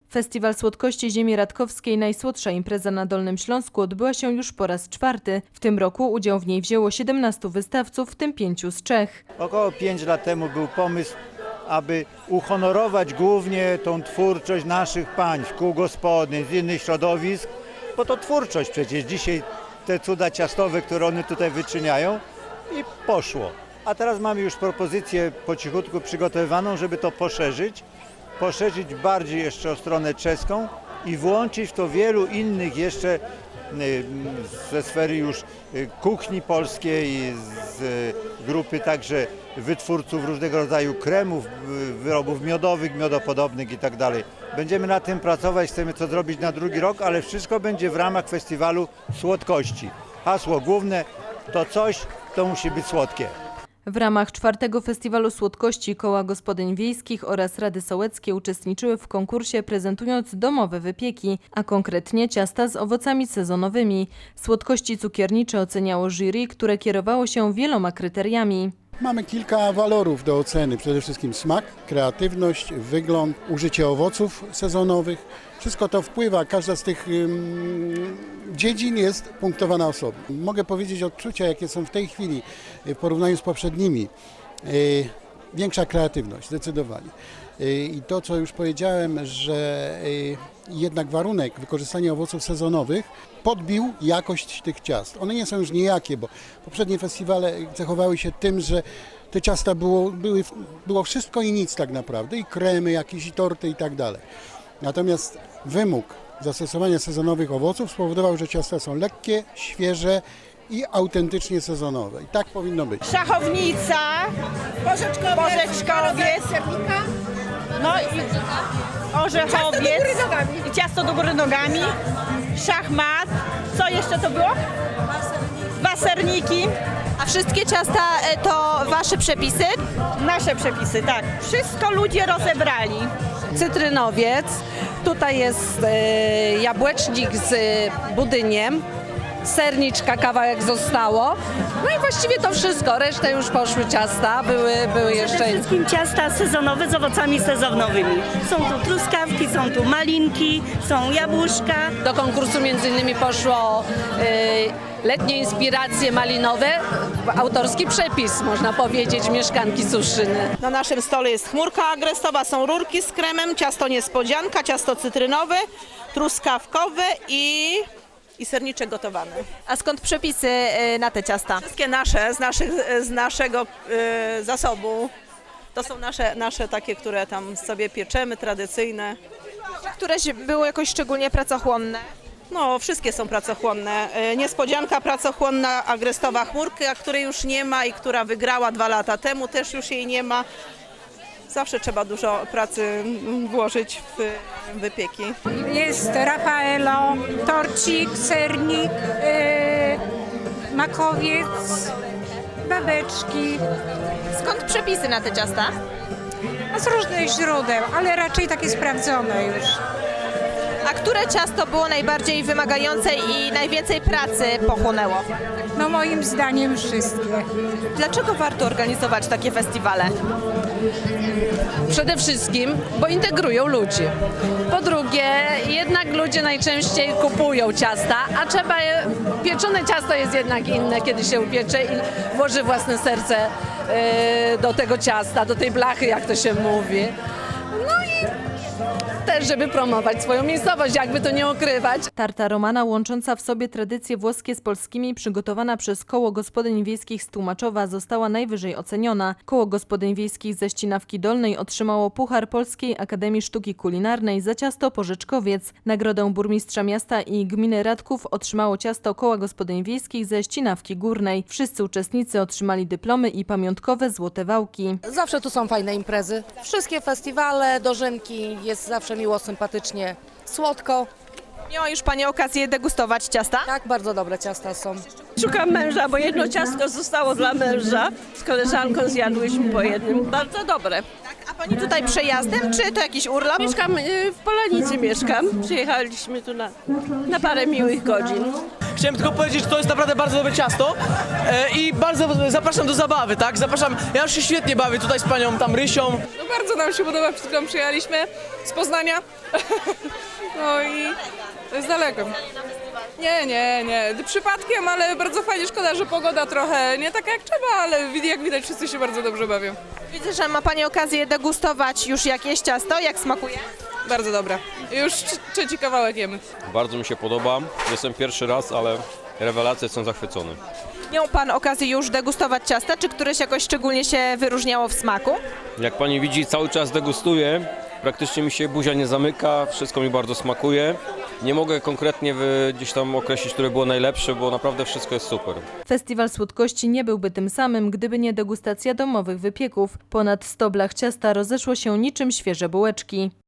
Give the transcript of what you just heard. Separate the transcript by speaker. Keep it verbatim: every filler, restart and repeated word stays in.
Speaker 1: Festiwal Słodkości Ziemi Radkowskiej, najsłodsza impreza na Dolnym Śląsku, odbyła się już po raz czwarty. W tym roku udział w niej wzięło siedemnastu wystawców, w tym pięciu z Czech.
Speaker 2: Około pięć lat temu był pomysł, aby uhonorować głównie tą twórczość naszych państw, kół gospodyń, z innych środowisk, bo to twórczość przecież. Dzisiaj te cuda ciastowe, które one tutaj wyczyniają, i poszło. A teraz mamy już propozycję po cichutku przygotowywaną, żeby to poszerzyć, poszerzyć bardziej jeszcze o stronę czeską i włączyć w to wielu innych jeszcze ze sfery już kuchni polskiej, z grupy także wytwórców różnego rodzaju kremów, wyrobów miodowych, miodopodobnych i tak dalej. Będziemy nad tym pracować, chcemy to zrobić na drugi rok, ale wszystko będzie w ramach festiwalu słodkości. Hasło główne to coś, to musi być słodkie.
Speaker 1: W ramach czwartego Festiwalu Słodkości Koła Gospodyń Wiejskich oraz Rady Sołeckie uczestniczyły w konkursie, prezentując domowe wypieki, a konkretnie ciasta z owocami sezonowymi. Słodkości cukiernicze oceniało jury, które kierowało się wieloma kryteriami.
Speaker 3: Mamy kilka walorów do oceny. Przede wszystkim smak, kreatywność, wygląd, użycie owoców sezonowych. Wszystko to wpływa, każda z tych um, dziedzin jest punktowana osobno. Mogę powiedzieć odczucia, jakie są w tej chwili w porównaniu z poprzednimi. Yy, większa kreatywność, zdecydowanie. Yy, I to, co już powiedziałem, że yy, jednak warunek wykorzystania owoców sezonowych podbił jakość tych ciast. One nie są już nijakie, bo poprzednie festiwale cechowały się tym, że te ciasta było, były, było wszystko i nic tak naprawdę, i kremy jakieś, i torty i tak dalej. Natomiast wymóg zastosowania sezonowych owoców spowodował, że ciasta są lekkie, świeże i autentycznie sezonowe. I tak powinno być.
Speaker 4: Szachownica, porzeczkowiec, porzeczkowiec no i orzechowiec, i ciasto do góry nogami, szachmat, co jeszcze to było? Waserniki.
Speaker 5: A wszystkie ciasta to wasze przepisy?
Speaker 4: Nasze przepisy, tak. Wszystko ludzie rozebrali.
Speaker 6: Cytrynowiec, tutaj jest e, jabłecznik z budyniem, serniczka kawałek zostało, no i właściwie to wszystko, resztę już poszły ciasta, były, były jeszcze...
Speaker 7: Przede wszystkim ciasta sezonowe z owocami sezonowymi. Są tu truskawki, są tu malinki, są jabłuszka.
Speaker 6: Do konkursu między innymi poszło e, letnie inspiracje malinowe, autorski przepis, można powiedzieć, mieszkanki Suszyny.
Speaker 4: Na naszym stole jest chmurka agrestowa, są rurki z kremem, ciasto niespodzianka, ciasto cytrynowe, truskawkowe i, i serniczek gotowany.
Speaker 5: A skąd przepisy na te ciasta?
Speaker 4: Wszystkie nasze, z, naszych, z naszego y, zasobu. To są nasze, nasze takie, które tam sobie pieczemy, tradycyjne.
Speaker 5: Któreś były jakoś szczególnie pracochłonne?
Speaker 4: No, wszystkie są pracochłonne. Niespodzianka pracochłonna, agrestowa chmurka, której już nie ma i która wygrała dwa lata temu, też już jej nie ma. Zawsze trzeba dużo pracy włożyć w wypieki.
Speaker 8: Jest Rafaelo, torcik, sernik, yy, makowiec, babeczki.
Speaker 5: Skąd przepisy na te ciasta?
Speaker 8: A z różnych źródeł, ale raczej takie sprawdzone już.
Speaker 5: A które ciasto było najbardziej wymagające i najwięcej pracy pochłonęło?
Speaker 8: No moim zdaniem wszystkie.
Speaker 5: Dlaczego warto organizować takie festiwale?
Speaker 6: Przede wszystkim, bo integrują ludzi. Po drugie, jednak ludzie najczęściej kupują ciasta, a trzeba je, pieczone ciasto jest jednak inne, kiedy się upiecze i włoży własne serce yy, do tego ciasta, do tej blachy, jak to się mówi. No i też, żeby promować swoją miejscowość, jakby to nie ukrywać.
Speaker 1: Tarta romana, łącząca w sobie tradycje włoskie z polskimi, przygotowana przez Koło Gospodyń Wiejskich z Tłumaczowa, została najwyżej oceniona. Koło Gospodyń Wiejskich ze Ścinawki Dolnej otrzymało Puchar Polskiej Akademii Sztuki Kulinarnej za ciasto porzeczkowiec. Nagrodę burmistrza miasta i gminy Radków otrzymało ciasto Koła Gospodyń Wiejskich ze Ścinawki Górnej. Wszyscy uczestnicy otrzymali dyplomy i pamiątkowe złote wałki.
Speaker 9: Zawsze tu są fajne imprezy. Wszystkie festiwale, dożynki, jest zawsze miło, sympatycznie, słodko.
Speaker 5: Miała już Pani okazję degustować ciasta?
Speaker 9: Tak, bardzo dobre ciasta są.
Speaker 7: Szukam męża, bo jedno ciastko zostało dla męża. Z koleżanką zjadłyśmy po jednym. Bardzo dobre.
Speaker 5: A Pani tutaj przejazdem, czy to jakiś urlop?
Speaker 7: Mieszkam, w Polanicy mieszkam. Przyjechaliśmy tu na, na parę miłych godzin.
Speaker 10: Chciałem tylko powiedzieć, że to jest naprawdę bardzo dobre ciasto e, i bardzo zapraszam do zabawy, tak? Zapraszam, ja już się świetnie bawię tutaj z panią tam Rysią.
Speaker 11: No bardzo nam się podoba, przed chwilą przyjechaliśmy z Poznania. No i to jest daleko. Nie, nie, nie, przypadkiem, ale bardzo fajnie, szkoda, że pogoda trochę nie taka jak trzeba, ale jak widać wszyscy się bardzo dobrze bawią.
Speaker 5: Widzę, że ma pani okazję degustować już jakieś ciasto. Jak smakuje?
Speaker 11: Bardzo dobra. Już trzeci kawałek jemy.
Speaker 12: Bardzo mi się podoba. Jestem pierwszy raz, ale rewelacje, jestem zachwycony.
Speaker 5: Miał pan okazję już degustować ciasta, czy któreś jakoś szczególnie się wyróżniało w smaku?
Speaker 12: Jak pani widzi, cały czas degustuję. Praktycznie mi się buzia nie zamyka, wszystko mi bardzo smakuje. Nie mogę konkretnie wy, gdzieś tam określić, które było najlepsze, bo naprawdę wszystko jest super.
Speaker 1: Festiwal Słodkości nie byłby tym samym, gdyby nie degustacja domowych wypieków. Ponad sto blach ciasta rozeszło się niczym świeże bułeczki.